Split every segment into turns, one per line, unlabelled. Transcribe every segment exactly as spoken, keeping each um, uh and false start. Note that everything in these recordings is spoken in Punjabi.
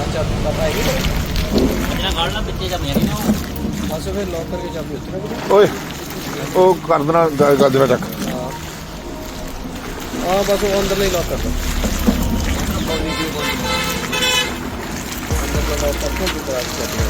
ਚਾਬੀ ਪਤਾ ਹੈਗੀ
ਜਿਹੜਾ ਗਾਲਣਾ ਪਿੱਛੇ ਜਾਂ ਮੇਰੀ ਨਾ
ਬਸ ਫਿਰ ਲੋਕ ਕਰਕੇ ਚਾਬੀ ਉੱਥੇ ਰੱਖ
ਓਏ ਉਹ ਕਰ ਦੇਣਾ ਗ- ਗਾਜਰਾਂ ਚੱਕ
ਹਾਂ ਹਾਂ ਬਸ ਉਹ ਅੰਦਰ ਨਹੀਂ ਲੋਕ ਕਰਦਾ ਅੰਦਰ ਵੀਡੀਓ ਬੰਦ ਅੰਦਰ ਲੋਕ ਕਰਕੇ ਵੀ ਕਰਾ ਸਕਦੇ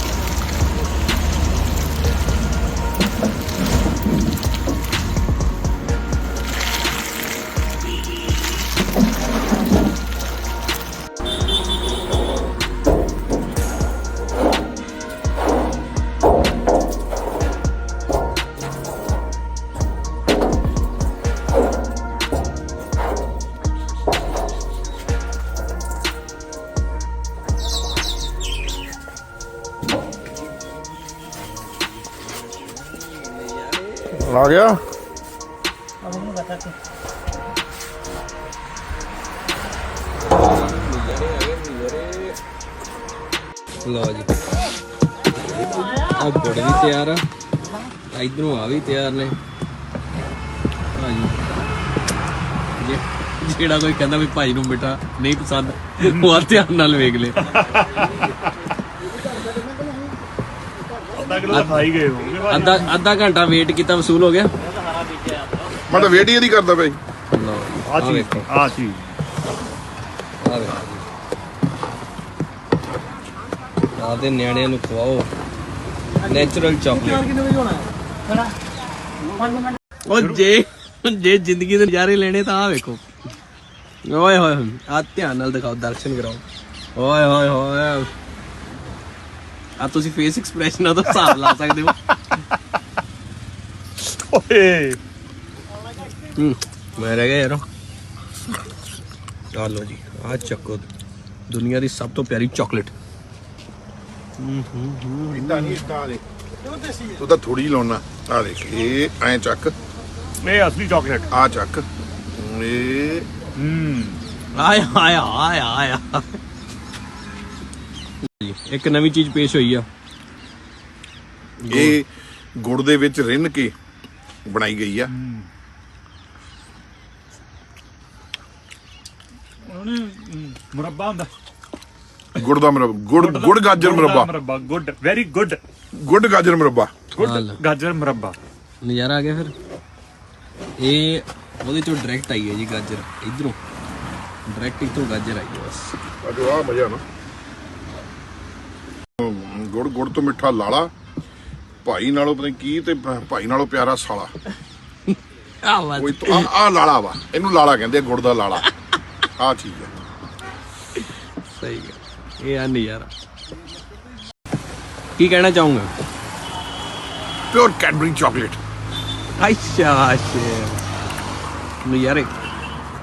ਆ ਗਿਆ
अब हम बताते
ਲਓ ਜੀ ਆ ਗੁੜ ਵੀ ਤਿਆਰ ਆ ਇਧਰੋਂ ਆ ਵੀ ਤਿਆਰ ਨੇ ਹਾਂਜੀ ਜਿਹੜਾ ਕੋਈ ਕਹਿੰਦਾ ਵੀ ਭਾਈ ਨੂੰ ਮਿੱਠਾ ਨਹੀਂ ਪਸੰਦ ਉਹ ਆ ਧਿਆਨ ਨਾਲ ਵੇਖ ਲੈ ਅੱਧਾ ਅੱਧਾ ਘੰਟਾ ਵੇਟ ਕੀਤਾ ਵਸੂਲ ਹੋ ਗਿਆ
ਮੈਂ ਤਾਂ ਵੇਟ ਹੀ ਇਹਦੀ ਕਰਦਾ ਭਾਈ
ਲਓ
ਆ ਚੀਜ਼ ਆ ਚੀਜ਼
ਆ ਵੇ ਆਪਦੇ ਨਿਆਣਿਆਂ ਨੂੰ ਖਵਾਓ ਨੈਚੁਰਲ ਚਾਕਲੇਟ ਉਹ ਜੇ ਜੇ ਜ਼ਿੰਦਗੀ ਦੇ ਨਜ਼ਾਰੇ ਲੈਣੇ ਤਾਂ ਆ ਵੇਖੋ ਓਏ ਹੋਏ ਆ ਧਿਆਨ ਨਾਲ ਦਿਖਾਓ ਦਰਸ਼ਨ ਕਰਾਓ ਓਏ ਹੋਏ ਹੋਏ ਆ ਤੁਸੀਂ ਫੇਸ ਐਕਸਪ੍ਰੈਸ਼ਨਾਂ ਤੋਂ ਹਿਸਾਬ ਲਾ ਸਕਦੇ ਹੋ
ਓਏ
ਹੂੰ ਮੈਂ ਰਹਿ ਗਿਆ ਯਾਰ ਆ ਲਓ ਜੀ ਆ ਚੱਕੋ ਦੁਨੀਆ ਦੀ ਸਭ ਤੋਂ ਪਿਆਰੀ ਚਾਕਲੇਟ
ਇੰਦਾ ਨਹੀਂ ਇੰਦਾ ਦੇ ਤੂੰ ਤਾਂ ਥੋੜੀ ਲਾਉਣਾ ਆ ਦੇਖ ਇਹ ਐ ਚੱਕ
ਇਹ ਅਸਲੀ ਚਾਕਲੇਟ
ਆ ਚੱਕ ਇਹ
ਹੂੰ
ਆਇਆ ਆਇਆ ਆਇਆ ਆਇਆ ਇੱਕ ਨਵੀਂ ਚੀਜ਼ ਪੇਸ਼ ਹੋਈ ਆ
ਇਹ ਗੁੜ ਦੇ ਵਿੱਚ ਰਿੰਨ ਕੇ ਬਣਾਈ ਗਈ ਆ
ਮੁਰੱਬਾ ਹੁੰਦਾ
ਗੁੜ ਦਾ ਮੁਰੱਬਾ ਗੁੜ ਗੁੜ ਗਾਜਰ ਮੁਰੱਬਾ
ਮੁਰੱਬਾ ਗੁੱਡ ਵੈਰੀ ਗੁੱਡ
ਗੁੜ ਗਾਜਰ ਮੁਰੱਬਾ
ਗੁੱਡ ਗਾਜਰ ਮੁਰੱਬਾ
ਨਜ਼ਾਰਾ ਆ ਗਿਆ ਫਿਰ ਇਹ ਉਹਦੇ ਚੋਂ ਡਾਇਰੈਕਟ ਆਈ ਹੈ ਜੀ ਗਾਜਰ ਇਧਰੋਂ ਡਾਇਰੈਕਟ ਇਥੋਂ ਗਾਜਰ ਆਈ ਹੈ ਬਸ
ਅਜੋ ਆ ਮਜ਼ਾ ਨਾ ਗੁੜ ਗੁੜ ਤੋਂ ਮਿੱਠਾ ਲਾਲਾ ਭਾਈ ਨਾਲੋਂ ਪਤਾ ਨੀ ਕੀ ਤੇ ਭ- ਭਾਈ ਨਾਲੋਂ ਪਿਆਰਾ ਸਾਲਾ
ਆ ਵਾ
ਕੋਈ ਆ ਆ ਲਾਲਾ ਵਾ ਇਹਨੂੰ ਲਾਲਾ ਕਹਿੰਦੇ ਆ, ਗੁੜ ਦਾ ਲਾਲਾ ਆ ਚੀਜ਼ ਆ
ਸਹੀ ਹੈ ਇਹ ਆ ਨਜ਼ਾਰਾ ਕੀ ਕਹਿਣਾ ਚਾਹੂੰਗਾ
ਪਿਓਰ ਕੈਡਬਰੀ ਚਾਕਲੇਟ
ਅੱਛਾ ਅੱਛਾ ਨਜ਼ਾਰੇ